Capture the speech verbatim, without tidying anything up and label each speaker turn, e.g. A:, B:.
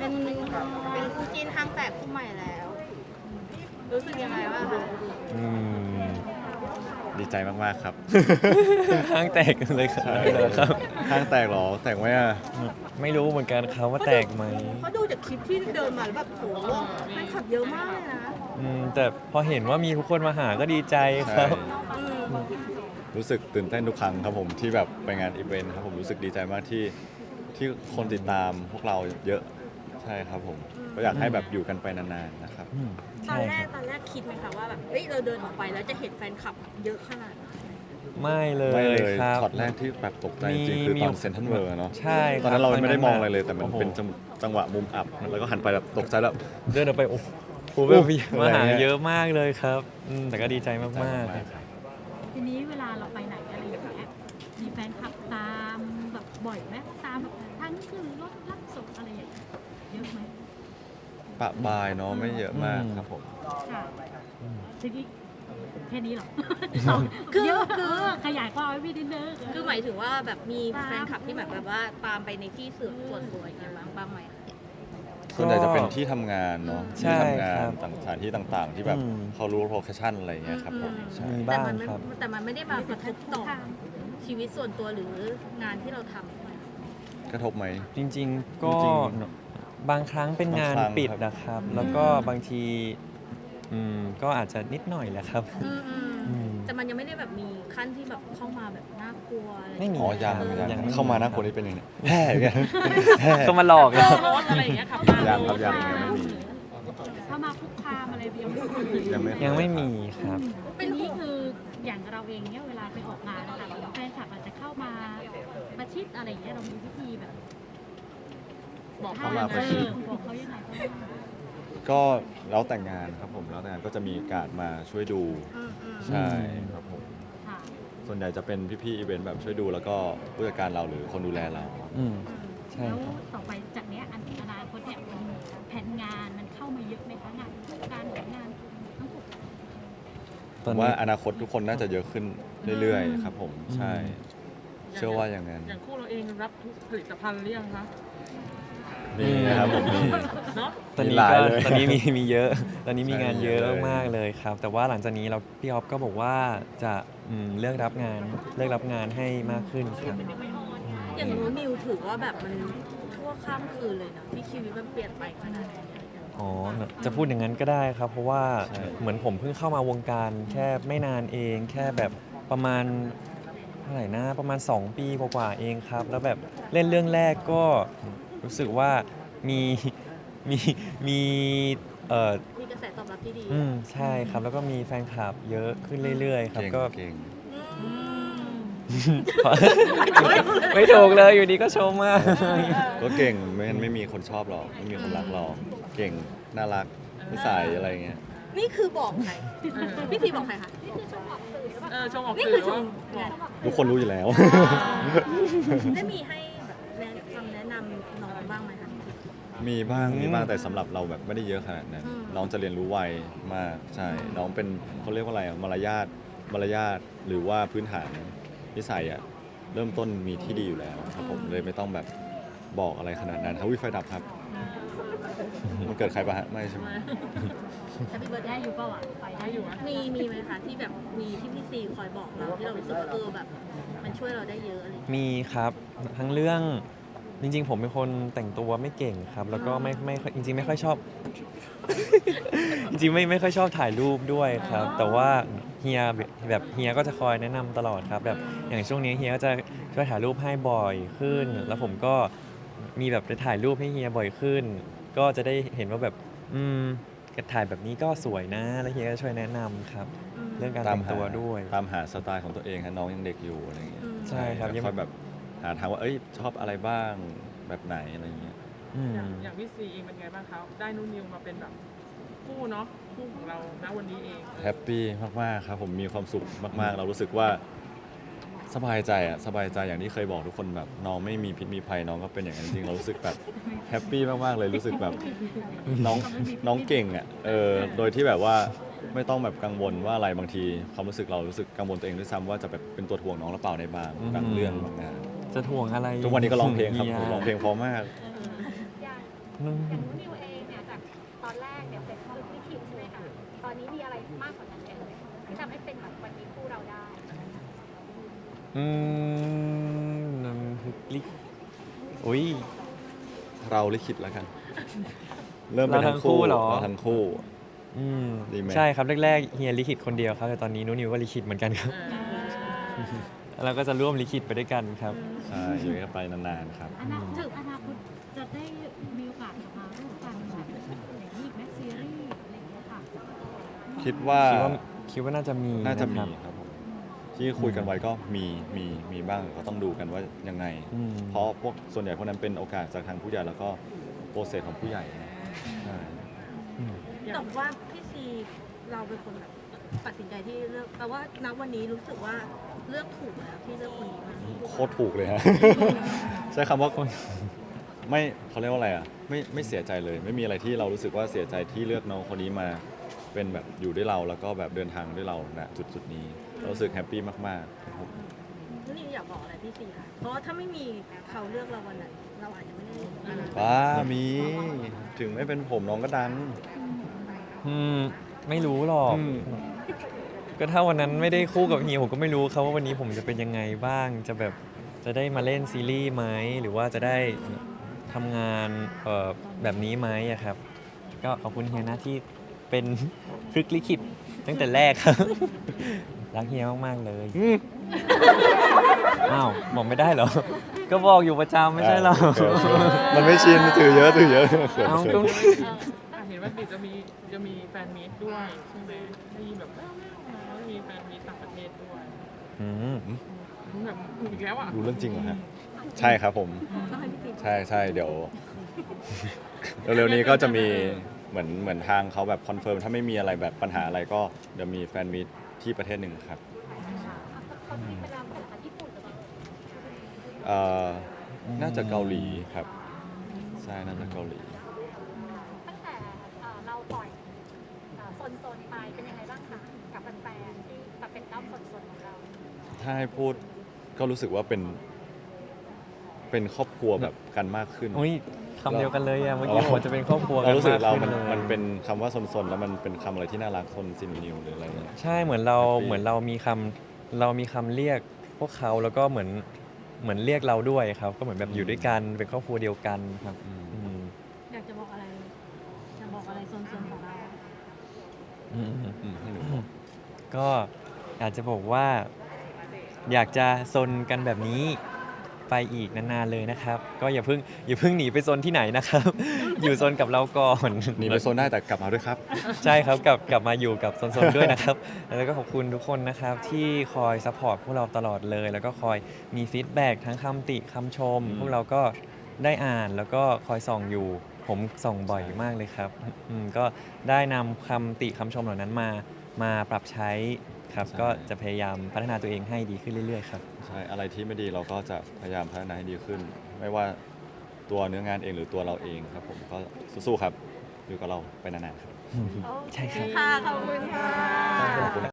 A: เป็นเป็นคู่จิ้นห้างแตกคู่ใหม่แล้ว รู้สึกยังไงบ้างคะ
B: อืมดีใจมากๆครับ
C: ห้างแตกเลยครับ
B: ใช่
C: ครับ
B: ห้างแตกเหรอแตกไหมอ่ะ
C: ไม่รู้เหมือนกันครับว่าแตกไหม
A: เพราะดูจากคลิปที่เดินมาแล้วแบบโหแฟนคลับเยอะมากเลยนะ
C: อืมแต่พอเห็นว่ามีทุกคนมาหาก็ดีใจค
B: ใช่
C: รับ
A: อืม
B: รู้สึกตื่นเต้นทุกครั้งครับผมที่แบบไปงานอีเวนต์ครับผมรู้สึกดีใจมากที่ที่คนติดตามพวกเราเยอะใช่ครับผมก็อยากให้แบบอยู่กันไปนานๆนะครับ
C: อืม
A: ตอ
C: ใช่
A: นแร
C: ค
A: ก
C: รับ
A: ตอนแรกคิดไหมคะว่าแบบเอ้ยเราเดินออกไปแล้วจะเห็นแฟนคลับเยอะขนาดนั้น
C: ไม่เลย
B: ไม่เลย
C: ครับ
B: ช็อตแรกที่แบบตกใจจริงๆคือตอนเซนทรัลเวิร์เนาะ
C: ใช่
B: ตอนนั้นเรา
C: คบ
B: ไม่ได้มองอะไรเลย แต่มัน
C: โโห
B: เป็นจังจังหวะมุมอับแล้วก็หันไปแบบตกใจแล้ว
C: เดินออกไปโอ้โห
B: โอ้
C: แบบ
B: โห
C: มาหา
B: อะไรเงี้ย
C: เยอะมากเลยครับอืมแต่ก็ดีใจมาก
B: ใจ
C: ๆ
B: มากๆครับ
D: ทีนี้เวลาเราไปไหนอะไรอย่างเงี้ยมีแฟนคลับตามแบบบ่อยไหมตามแบบทั้งขึ้นรถรับส่งอะไรอย่างเงี้ยเยอะไหม
B: ปะบายเนาะไม่เยอะมากครับผม
D: ค่ะทีนี้แค่นี้เหรอ
A: คือ
D: เยอะ
A: คื
D: คือ อขยายความไว้พี่นิดนึง
A: คือหมายถึงว่าแบบมีแฟนคลับที่แบบแบบว่าตามไปในที่สื่อส่วนตัวอย่างเงี้ยบ้างบ้างไหม
B: ส่วนใหญ่จะเป็นที่ทำงานเนาะ
C: ใช่
B: ที่ทำงาน
C: ครับ
B: ต่างสถานที่ต่างๆ ที่แบบ
C: อืม
B: เขารู้โลเคชั่นอะไรเงี้ยครับผม
A: อืม
B: ใช่
C: มี
A: แต่
C: บ้าง
A: มันไม่
C: ครับ
A: แต่มันไม่ได้มากระทบต่อชีวิตส่วนตัวหรืองานที่เราทำใช่ไหม
B: กระทบไหม
C: จริงๆ ก็
B: จริง
C: บางครั้งเป็นงาน
B: บางครั้ง
C: ปิด
B: ครับ
C: นะครับ แล้วก็บางทีอืมก็อาจจะนิดหน่อยแหละครับ
A: อืมอืม
C: อืม
A: แต่มันยังไม่ได้แบบมีขั้นที่แบบเข้ามาแบบน่ากลัวอะไร
C: ไม่มี
B: อ๋อยัง
C: ครับ
B: ยัง
C: ยังไม่มี
B: เข้ามาหน้าคนนี้เป็นยังไงแห่เนี่ย แห่
C: เขามาหลอกเรา
A: รถอะไรอย่างเงี้ยขับมา
B: ยังครับยังยังไม่มี
D: เข้ามาคุกคามอะไรยังไม่
B: ยังไม่
C: ยังไม่มีครับ
D: ทีนี้คืออย่างเราเองเนี่ยเวลาไปออกงานนะคะแฟนคลับอาจจะเข้ามาประชิดอะไรอย่างเงี้ยเรามีวิธีแบบ
A: บอก
B: เข้า
A: เขา
B: มาประชิด
D: เออบอกเขายังไงบ้าง
B: ก็แล้วแต่งงานครับผมแล้วแต่งงานก็จะมีการดมาช่วยดู
A: อืมอืม
B: ใช่ครับผม
D: ค่ะ
B: ส่วนใหญ่จะเป็นพี่ๆอีเวนต์แบบช่วยดูแล้วก็ผู้จัดการเราหรือคนดูแลเรา
C: อืมใช่
D: แล้ว
C: ครับ
D: ต่อไปจากเนี้ยอันอนาคตเนี่ยมันแผนงานมันเข้ามาเยอะไหมคะงานการหรืองานทั้งหมด
C: ตอน
B: ว่า
C: นี้
B: อนาคตทุกคนน่าจะเยอะขึ้นเรื่อยๆครับผมใช่ เชื่อว่าอย่างนั้น
E: อย่างคู่เราเองรับทุกผลิตภัณฑ์หรือยังคะ
B: มีนะครับผมมี
E: เนาะ
C: ตอนนี้
B: มีหลาย
C: ก็
B: เลย
C: ตอนนี้มีมีเยอะ ตอนนี้มี
B: ใช่
C: งานเยอะ
B: เยอะเลย
C: มากๆเลยครับ แต่ว่าหลังจากนี้เราพี่ออฟก็บอกว่าจะอืมเลือกรับงานเลือกรับงานให้มากขึ้นครับ
A: อย่างนู้นนิวถือว่าแบบมันชั่วข้ามคืนเลยเนาะที่ชีวิตมันเปลี่ยนไปขนาดนี้
C: อ๋อ จะพูดอย่างนั้นก็ได้ครับ เพราะว่า
B: ใช่
C: เหมือนผมเพิ่งเข้ามาวงการแค่ไม่นานเอง แค่แบบประมาณเท่าไหร่นะประมาณ สอง ปีกว่าๆเองครับ แล้วแบบเล่นเรื่องแรกก็รู้สึกว่ามีมีมีเออ
A: มีกระแสตอบรับที่ดี
C: อืมใช่ครับ แล้วก็มีแฟนคลับเยอะขึ้นเรื่อยๆ ครับ
B: เก่ง
C: ก็
B: เก่ง
A: อืม
C: ไม่ถูกเลยอยู่ดีก็ชมมาก
B: ก็เก่งไม่งั้นไม่มีคนชอบหรอกไม่มีคนรักหรอกเก่งน่ารักนิสัยอะไรเงี้ย
A: นี่คือบอกใครพี่พีบอกใครคะ
E: เออชมออก
A: นี่
E: สื่
A: คือ
E: อ
A: ช
E: ว่าม บอก
B: ทุกคนรู้อยู่แล้ว
A: ได้มีให้แบบแนะคำแนะนำน้องบ้างไหมคะ
B: มีบ้าง
C: อืม
B: มีบ้างแต่สำหรับเราแบบไม่ได้เยอะขนาดนั้น
A: อืม
B: น้องจะเรียนรู้ไวมากใช่ น้องเป็นเขาเรียกว่าอะไรอะมารยาทมารยาทหรือว่าพื้นฐานนิสัยอะเริ่มต้นมีที่ดีอยู่แล้วครับผมเลยไม่ต้องแบบบอกอะไรขนาดนั้นเขาวิไฟดับครับมันเกิดใครปะฮะไม่ใช่ไหม
A: แฮปปี้เบิร์ด
D: ได้อยู่เปล่าอ่ะไปได้อยู่
A: มีมีไหมคะที่แบบมีที่พี่ซีคอยบอกเราที่เรารู้สึกว่าเออแบบ มันช่วยเราได้เยอะอะไรอย่างเงี้ย
C: มีครับทั้งเรื่องจริงๆ ผมเป็นคนแต่งตัวไม่เก่งครับ แล้วก็ไม่ไม่ค่อยจริงๆ ไม่ค่อยชอบ จริงๆไม่ไม่ค่อยชอบถ่ายรูปด้วยครับ แต่ว่าเฮียแบบเฮียก็จะคอยแนะนำตลอดครับแบบอย่างช่วงนี้เฮียก็จะช่วยถ่ายรูปให้บ่อยขึ้น แล้วผมก็มีแบบไปถ่ายรูปให้เฮียบ่อยขึ้น ก็จะได้เห็นว่าแบบอืมถ่ายแบบนี้ก็สวยนะ แล้วเฮียก็ช่วยแนะนำครับ เรื่องการแต่งตัวด้วย
B: ตามหาสไตล์ของตัวเองฮะน้องยังเด็กอยู่อะไรเงี้ย
A: อืม
C: ใช่ครับ
B: แล้วค่อยแบบหาทางว่าเอ้ยชอบอะไรบ้างแบบไหนอะไรเงี้ย
C: อืม
E: อย่างอย่างพี่ซีเองเป็นไงบ้างคะได้นุ่นนิวมาเป็นแบบคู่เนาะคู่ของเราณวันนี้เอง
B: แฮปปี้มากๆครับผมมีความสุขมากๆ เรารู้สึกว่าสบายใจอะสบายใจอย่างที่เคยบอกทุกคนแบบน้องไม่มีพิษมีภัยน้องก็เป็นอย่างนั้นจริงเรารู้สึกแบบแฮปปี้มากๆเลยรู้สึกแบบน้องน้องเก่งอะเออโดยที่แบบว่าไม่ต้องแบบกังวลว่าอะไรบางทีความรู้สึกเรารู้สึกกังวลตัวเองด้วยซ้ำว่าจะแบบเป็นตัวถ่วงน้องหรือเปล่าในบางบางเรื่องบางงาน
C: จะถ่วงอะไร
B: ทุกวันนี้ก็ร้องเพลงครับ
C: ฮีย
B: ร้องเพลงเพราะมาก
C: อืม
F: อย่างนู้นนิวเองเนี่ยจากตอนแรกเนี่ยเป็นคนที่คิดใช่ไหมคะตอนนี้มีอะไรมากกว่านั้นไหมเอ่ยที่ทำให้เป็นแบบวันนี้คู่เราได้
C: อืมน้ำพริกลิกอุ้ย
B: เราลิขิตแล้วกัน เริ่มเป็น
C: เราทั้
B: ทั้ง
C: งคู่
B: คู่
C: เหรอ
B: เราทั้งคู่
C: อืม
B: ดีไหม
C: ใช่ครับแรกๆเฮียลิขิตคนเดียวครับแต่ตอนนี้นุนิวก็ลิขิตเหมือนกันครับ เราก็จะร่วมลิขิตไปด้วยกันครับ
B: ใช่อยู่กันไปนานๆครับ
D: อนาคตอนาคตจะได้มีโอกาสกลับมาร่วมกันแบบอย่างนี้อีกไหมซีรีส์อะไรอย่างเงี้ยค่ะ
B: คิดว่า
C: คิดว่าคิดว่าน่าจะมี
B: น่าจะมี
C: ครับ
B: ครับผมที่คุยกันไว้ก็มีมีมีบ้างก็ต้องดูกันว่ายังไง
C: อืม
B: เพราะพวกส่วนใหญ่พวกนั้นเป็นโอกาสจากทางผู้ใหญ่แล้วก็โปรเซสของผู้ใหญ่ใช่
C: อืม
A: แต่ว่าพี่ซีเราเป็นคนแบบตัดสินใจที่เลือกแต่ว่าณวันนี้รู้สึกว่าเลือกถูกแล้วที่เลือกคนนี้มา
B: โคตรถูกเลยฮะ ใช้คำว่าไม่เขาเรียกว่าอะไรอ่ะไม่ไม่เสียใจเลย ไม่มีอะไรที่เรารู้สึกว่าเสียใจที่เลือกน้องคนนี้มาเป็นแบบอยู่ด้วยเราแล้วก็แบบเดินทางด้วยเราณจุดจุดๆนี้เรารู้สึกแฮปปี้มากๆครับผม
A: นี่อยากบอกอะไรพี่ซีค่ะ เพราะว่าถ้าไม่มีเขาเลือกเราวันนั้นเราอาจจะไม่ได้มา
B: ว้ามีถึงไม่เป็นผมน้องก็ดัง
C: อืมไม่รู้หรอก
B: อืม
C: ก็ถ้าวันนั้นไม่ได้คู่กับเฮียผมก็ไม่รู้ครับว่าวันนี้ผมจะเป็นยังไงบ้าง จะแบบจะได้มาเล่นซีรีส์ไหมหรือว่าจะได้ทำงานเอ่อแบบนี้ไหมอะครับ ก็ขอบคุณเฮียนะที่เป็นพลึกลิขิตตั้งแต่แรกครับ รักเฮียมากๆเลย
B: อืม
C: อ้าวบอกไม่ได้เหรอ ก็บอกอยู่ประจำไม่ใช่เหรอ
B: เขินเขินมันไม่ชินถือเยอะถือเยอะเขิน
C: เอา
B: เขิ
C: ก็
B: น
E: อ่ะเห็นว่าเดี๋ยวจะมีจะมีแฟนมีตด้วยใช่ไหมได้ยินแบบแว่วๆมาว่ามีแฟนมีตต่างประเทศด้วย
C: อืม
E: แบบอีกแล้วอ่ะ
B: รู้เรื่องจริงเหรอฮะใช่ครับผม
A: ต้องให้พี่ซี
B: ใช่ใช่เดี๋ยว เร็วๆนี้ก็จะมีเหมือนเหมือนทางเขาแบบคอนเฟิร์มถ้าไม่มีอะไรแบบปัญหาอะไรก็เดี๋ยวมีแฟนมีตที่ประเทศหนึ่งครับ
F: เขามีเป็นนามภาษาญี่ปุ่นหรือเปล่า
B: เอ่อน่าจะเกาหลีครับใช่น่าจะเกาหลี
F: ตั้งแต่เอ่อเราปล่อยเอ่อโซนๆไปเป็นยังไงบ้างคะกับแฟนๆที่แบบเป็นด้อมโซนๆของเรา
B: ถ้าให้พูดก็รู้สึกว่าเป็น เป็นครอบครัวแบบกันมากขึ้น
C: อุ้ยคำเดียวกันเลยอะเมื่อกี้ผมจะเป็นครอบครัวกั
B: เรา
C: น
B: รู้สึก
C: มาก
B: เรา
C: ขึ้
B: มัน
C: นเลย
B: มันเป็นคำว่าซนๆแล้วมันเป็นคำอะไรที่น่ารักซนซินนิวหรืออะไรเงี้ย
C: ใช่เหมือนเรา
B: แฮปปี้
C: เหมือนเรามีคำเรามีคำเรียกพวกเขาแล้วก็เหมือนเหมือนเรียกเราด้วยครับ ก็เหมือนแบบอยู่ด้วยกันเป็นครอบครัวเดียวกันครับ
B: อืม
C: อืม
A: อยากจะบอกอะไรจะบอกอะไรโซนๆของเรา
C: อืม
B: อืมให้หนูบอก
C: ก็อยากจะบอกว่า อยากจะซนกันแบบนี้ไปอีกนานๆเลยนะครับ ก็อย่าเพิ่งอย่าเพิ่งหนีไปซนที่ไหนนะครับ อยู่ซนกับเราก่อน
B: หนีไปโซนได้แต่กลับมาด้วยครับ
C: ใช่ครับกลับกลับมาอยู่กับโซนๆด้วยนะครับ แล้วก็ขอบคุณทุกคนนะครับที่คอยซัพพอร์ตพวกเราตลอดเลย แล้วก็คอยมีฟีดแบ็กทั้งคำติคำชม
B: อืม
C: พวกเราก็ได้อ่านแล้วก็คอยส่องอยู่ ผมส่องบ่อย
B: ใช่
C: มากเลยครับอืมก็ได้นำคำติคำชมเหล่านั้นมามาปรับใช้ครับ ก็จะพยายามพัฒนาตัวเองให้ดีขึ้นเรื่อยๆครับ
B: ใช่อะไรที่ไม่ดีเราก็จะพยายามพัฒนาให้ดีขึ้น ไม่ว่าตัวเนื้องานเองหรือตัวเราเองครับผมก็สู้ๆครับ อยู่กับเราไปนานๆครับ
C: ใช่ครับ
A: ค่ะ ขอบคุณค่ะ
B: ขอบคุณ